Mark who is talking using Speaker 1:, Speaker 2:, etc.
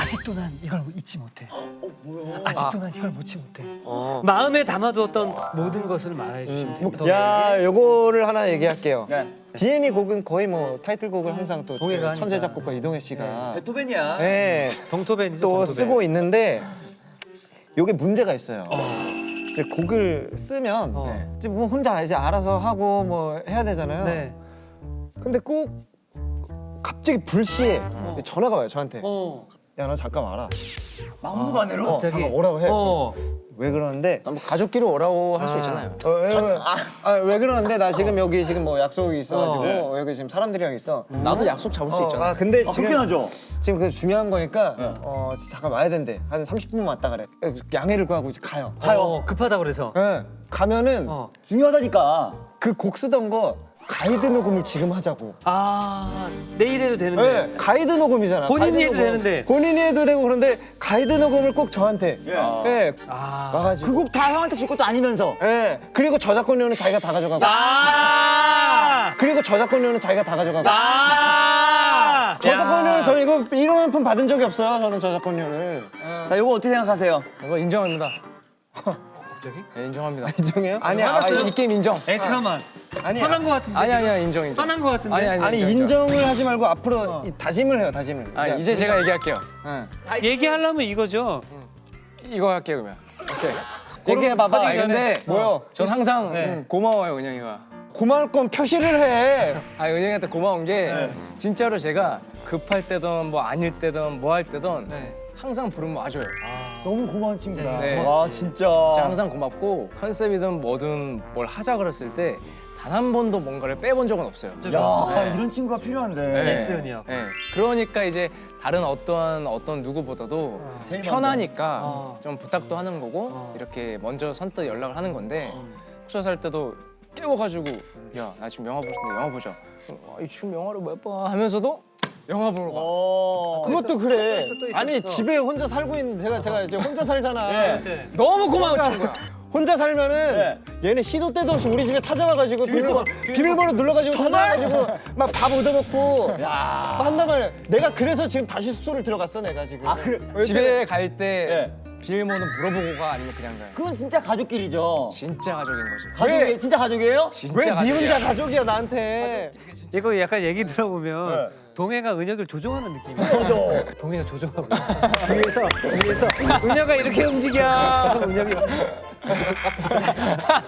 Speaker 1: 아직도 난 이걸 잊지 못해.
Speaker 2: 뭐야?
Speaker 1: 아직도 난 이걸 못지 못해. 마음에 담아두었던 모든 것을 말해 주시면 됩니다.
Speaker 3: 야, 요거를 하나 얘기할게요.
Speaker 2: 네.
Speaker 3: DNA 곡은 거의 뭐 타이틀곡을 항상 또
Speaker 1: 동해가
Speaker 3: 천재
Speaker 1: 하니까.
Speaker 3: 작곡가 이동해 씨가
Speaker 2: 베토벤이야.
Speaker 3: 네,
Speaker 1: 동토벤이죠.
Speaker 3: 또
Speaker 1: 동토벤.
Speaker 3: 쓰고 있는데 요게 문제가 있어요. 이제 곡을 쓰면 이제 뭐 혼자 이제 알아서 하고 뭐 해야 되잖아요.
Speaker 1: 네.
Speaker 3: 근데 꼭 갑자기 불시에 전화가 와요 저한테. 야, 너 잠깐 와라.
Speaker 2: 막무가내로.
Speaker 3: 잠깐 오라고 해.
Speaker 1: 어.
Speaker 3: 왜 그러는데?
Speaker 4: 뭐 가족끼리 오라고 할 수 있잖아요.
Speaker 3: 왜 그러는데 나 지금 여기 지금 뭐 약속이 있어가지고 여기 지금 사람들이랑 있어.
Speaker 4: 나도 약속 잡을 수 있잖아.
Speaker 3: 근데
Speaker 2: 그렇긴
Speaker 3: 지금
Speaker 2: 하죠.
Speaker 3: 지금 그 중요한 거니까 잠깐 와야 된대. 한 30분 왔다 그래. 양해를 구하고 이제 가요.
Speaker 1: 급하다 그래서.
Speaker 3: 예. 가면은
Speaker 2: 중요하다니까.
Speaker 3: 그 곡 쓰던 거 가이드 녹음을 지금 하자고.
Speaker 1: 내일 해도 되는데.
Speaker 3: 네, 가이드 녹음이잖아.
Speaker 1: 본인이
Speaker 3: 가이드
Speaker 1: 해도
Speaker 3: 녹음.
Speaker 1: 되는데.
Speaker 3: 본인이 해도 되고 그런데 가이드 녹음을 꼭 저한테. 예. 와가지고.
Speaker 2: 그 곡 다 형한테 줄 것도 아니면서.
Speaker 3: 예. 그리고 저작권료는 자기가 다 가져가고. 그리고 저작권료는 자기가 다 가져가고. 저작권료는 저는 이거 1원 한 푼 받은 적이 없어요. 저는 저작권료를.
Speaker 2: 자, 이거 어떻게 생각하세요?
Speaker 4: 이거 인정합니다. 네, 인정합니다.
Speaker 3: 인정해요?
Speaker 4: 이 게임 인정.
Speaker 1: 잠깐만.
Speaker 3: 아니야.
Speaker 1: 화난 거 같은데.
Speaker 4: 아니야 인정.
Speaker 1: 화난 거 같은데.
Speaker 4: 아니
Speaker 3: 인정을 하지 말고 앞으로 다짐을 해요. 다짐을.
Speaker 4: 이제 제가 얘기할게요.
Speaker 1: 얘기하려면 이거죠.
Speaker 4: 이거 할게요 그러면. 오케이.
Speaker 3: 얘기해봐봐.
Speaker 4: 아니 근데
Speaker 3: 뭐요?
Speaker 4: 전 항상 고마워요 은영이가.
Speaker 3: 고마울 건 표시를 해.
Speaker 4: 은영이한테 고마운 게 진짜로 제가 급할 때든 뭐 아닐 때든 뭐 할 때든 항상 부르면 와줘요.
Speaker 2: 너무 고마운 친구다.
Speaker 4: 네.
Speaker 2: 와, 진짜.
Speaker 4: 진짜 항상 고맙고 컨셉이든 뭐든 뭘 하자 그랬을 때 단 한 번도 뭔가를 빼본 적은 없어요.
Speaker 2: 야, 이런 친구가 필요한데.
Speaker 4: 네.
Speaker 1: 예스연이야.
Speaker 4: 네. 그러니까 이제 다른 어떤 누구보다도
Speaker 2: 제일
Speaker 4: 편하니까 좀 부탁도 하는 거고 이렇게 먼저 선뜻 연락을 하는 건데 숙소 살 때도 깨워가지고 야 나 지금 영화 보고 싶은데 영화 보자. 지금 영화를 몇 번 하면서도 영화 보러 가.
Speaker 3: 그것도 그래. 아니 집에 혼자 살고 있는 제가 이제 혼자 살잖아.
Speaker 4: 너무 고마운 친구야.
Speaker 3: 혼자 살면은 얘네 시도 때도 없이 우리 집에 찾아와가지고 비밀번호 눌러가지고 찾아와가지고 막 밥 얻어먹고 막 한단 말이야. 내가 그래서 지금 다시 숙소를 들어갔어 내가 지금.
Speaker 2: 그래.
Speaker 4: 집에 갈 때 비밀번호 물어보고 가 아니면 그냥 가요?
Speaker 2: 그건 진짜 가족끼리죠.
Speaker 4: 진짜 가족인 거지.
Speaker 2: 가족이에요? 진짜 가족이에요?
Speaker 4: 진짜
Speaker 3: 왜 네
Speaker 4: 가족이야.
Speaker 3: 혼자 가족이야 나한테.
Speaker 1: 이거 약간 얘기 들어보면 동해가 은혁을 조종하는 느낌이야.
Speaker 2: 맞아.
Speaker 1: 동해가 조종하고 있어. 위에서 은혁아 이렇게 움직여. 은혁이